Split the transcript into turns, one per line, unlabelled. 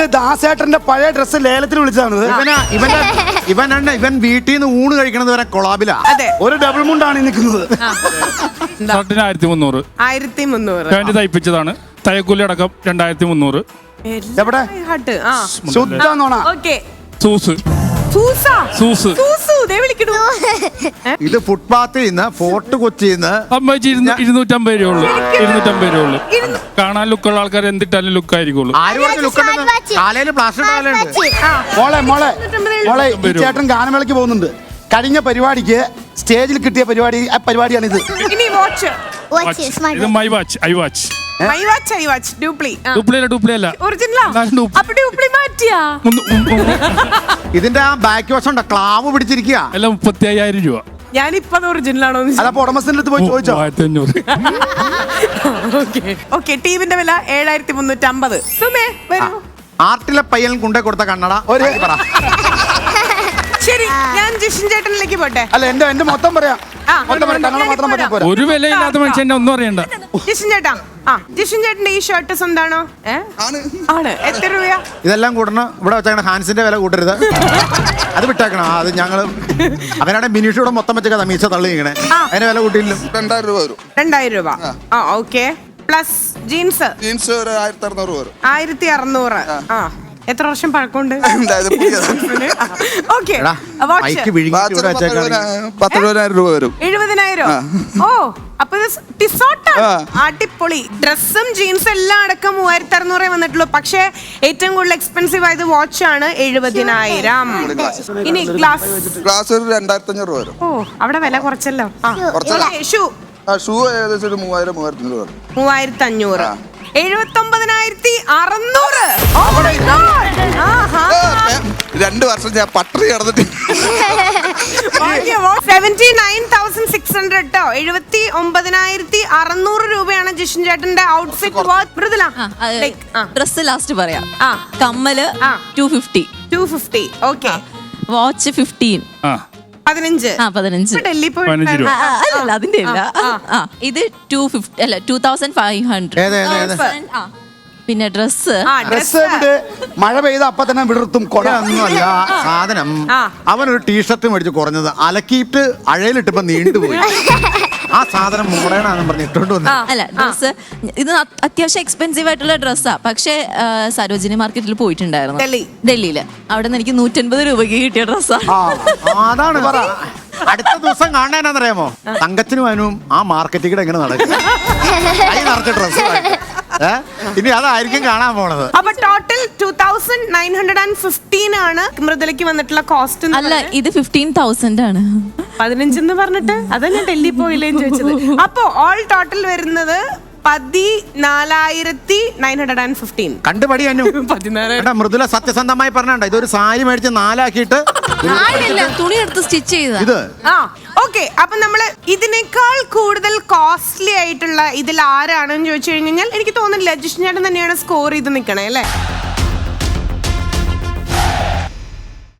ദാസേട്ടന്റെ പഴയ ഡ്രസ്സ് ലേലത്തിന് വിളിച്ചതാണ്.
ഇവൻ വീട്ടിൽ നിന്ന് ഊണ് കഴിക്കണത് വരെ കൊളാബിലാ.
ഒരു ഡബിൾ മുണ്ടാണ് നിൽക്കുന്നത്.
1300.
1300
തയ്പ്പിച്ചതാണ്. തയ്യക്കൂലി അടക്കം 2300.
എവിടെ ശുദ്ധ നോണ.
ഇത് ഫുട്പാത്തിൽ നിന്ന് ഫോർട്ട് കൊച്ചിന്ന്
250 രൂപയുള്ളൂ. 250 രൂപയുള്ളൂ. കാണാൻ ലുക്കുള്ള ആൾക്കാർ എന്തിട്ടാലും ലുക്ക് ആയിരിക്കുള്ളൂ.
മോളെ ഈ ചേട്ടൻ ഗാനമേളയ്ക്ക് പോകുന്നുണ്ട്. കഴിഞ്ഞ പരിപാടിക്ക് സ്റ്റേജിൽ കിട്ടിയ പരിപാടിയാണിത്.
ഇത് മൈ വാച്ച്, ഐ വാച്ച്.
ഇതിന്റെ ആ ബാക്ക് വശം ക്ലാവ് പിടിച്ചിരിക്കുക.
എല്ലാം 35,000 രൂപ.
ഞാനിപ്പോ ഒറിജിനലാണോ
ഉടമസ്ഥന്റെ അടുത്ത് പോയി ചോദിച്ചോ.
1500.
ടീമിന്റെ വില 7350.
ആർട്ടിലെ പയ്യൻ കൊണ്ടേ കൊടുത്ത കണ്ണട ഒരു പറ.
ശരി, ഞാൻ ജിഷിൻ ചേട്ടനിലേക്ക് പോട്ടെ.
അല്ല എന്റെ മൊത്തം പറയാം.
ഒരു വിലയില്ലാത്ത മനുഷ്യന്റെ ഒന്നും അറിയണ്ട.
ജിഷിൻ ചേട്ടാ, ജിഷിൻ ചേട്ടന്റെ ഈ ഷർട്ട് സ്വന്താണോ? ആണ്. എത്ര രൂപയാ?
ഇതെല്ലാം കൂടണം. ഇവിടെ വെച്ചാൽ ഹാൻസിന്റെ വില കൂട്ടരുത്. അത് വിട്ടേക്കണം. അത് ഞങ്ങള് അവനാണ് മിനിഷൂടെ മൊത്തം വെച്ച മീശ തള്ളി ഇങ്ങനെ. അതിന്റെ വില കൂട്ടിയില്ല.
2000 രൂപ വരും.
2000 രൂപ. ഓക്കെ. പ്ലസ് ജീൻസ്
1600 വരും.
1600. എത്ര വർഷം പഴക്കമുണ്ട്?
70,000 രൂപ വരും.
70,000. ഓ, അപ്പൊ അടിപൊളി. ഡ്രസ്സും ജീൻസും എല്ലാം അടക്കം 3600 വന്നിട്ടുള്ളൂ. പക്ഷെ ഏറ്റവും കൂടുതൽ എക്സ്പെൻസീവ് ആയത് വാച്ച് ആണ്. 70,000. ഇനി ഗ്ലാസ്
2500 രൂപ വരും.
ഓ, അവിടെ വില കുറച്ചല്ലോ.
ഷൂ ഏകദേശം 3000-3500 രൂപ.
3500. 79,600.
2 വർഷം ഞാൻ പട്ടറി കിടന്നിട്ട്
79,600 കേട്ടോ. 79,600 രൂപയാണ് ജിഷിൻ ചേട്ടന്റെ ഔട്ട്ഫിറ്റ്.
ഡ്രസ് ലാസ്റ്റ് പറയാം. കമ്മല് 250.
ഓക്കെ.
വാച്ച് 15.
15. ഡൽഹി പോയി.
അല്ല, അതിന്റെ ഇല്ല. ഇത് 250 അല്ല 2500. പിന്നെ ഡ്രസ്
മഴ പെയ്ത അപ്പൊ തന്നെ വിടർത്തും.
കൊടൊന്നുമല്ല സാധനം. അവനൊരു ടീഷർട്ട് മേടിച്ച് കുറഞ്ഞത് അലക്കിയിട്ട് അഴയിലിട്ടിപ്പോ നീണ്ടുപോയി. ആ സാധനം മൂടേണെന്ന് പറഞ്ഞ് ഇട്ടോണ്ട് വന്നു.
അല്ല, ഡ്രസ് ഇത് അത്യാവശ്യം എക്സ്പെൻസീവ് ആയിട്ടുള്ള ഡ്രസ്സാ. പക്ഷെ സരോജിനി മാർക്കറ്റിൽ പോയിട്ടുണ്ടായിരുന്നു ഡൽഹിയില്. അവിടെ നിന്ന് എനിക്ക് 150 രൂപയ്ക്ക് കിട്ടിയ ഡ്രസ്സാ.
അതാണ് പറ. അടുത്ത ദിവസം കാണാനാന്നറിയാമോ? തങ്കച്ചനും അവനും ആ മാർക്കറ്റിൽ കൂടെ എങ്ങനെ നടക്കും. നിറച്ച ഡ്രസ് ഇനി അതായിരിക്കും കാണാൻ പോണത്.
അപ്പൊ ടോട്ടൽ 2915 ആണ് മൃദുലയ്ക്ക് വന്നിട്ടുള്ള കോസ്റ്റ്.
അല്ല, ഇത് 15,000 ആണ്.
15 എന്ന് പറഞ്ഞിട്ട് അതന്നെ ഡൽഹി പോയില്ലേന്ന് ചോദിച്ചത്. അപ്പൊ ഓൾ ടോട്ടൽ വരുന്നത് 14,915.
കണ്ടുപടി മൃദുല സത്യസന്ധമായി പറഞ്ഞാണ്ട. ഇതൊരു സാരി മേടിച്ച് 4 ആക്കിയിട്ട്
തുണി എടുത്ത് സ്റ്റിച്ച് ചെയ്ത
ഇത്.
ഓക്കെ. അപ്പൊ നമ്മള് ഇതിനേക്കാൾ കൂടുതൽ കോസ്റ്റ്ലി ആയിട്ടുള്ള ഇതിൽ ആരാണെന്ന് ചോദിച്ചു കഴിഞ്ഞാൽ എനിക്ക് തോന്നുന്നില്ല ജിഷിൻ ചേട്ടൻ തന്നെയാണ് സ്കോർ ചെയ്ത് നിൽക്കണേ അല്ലേ?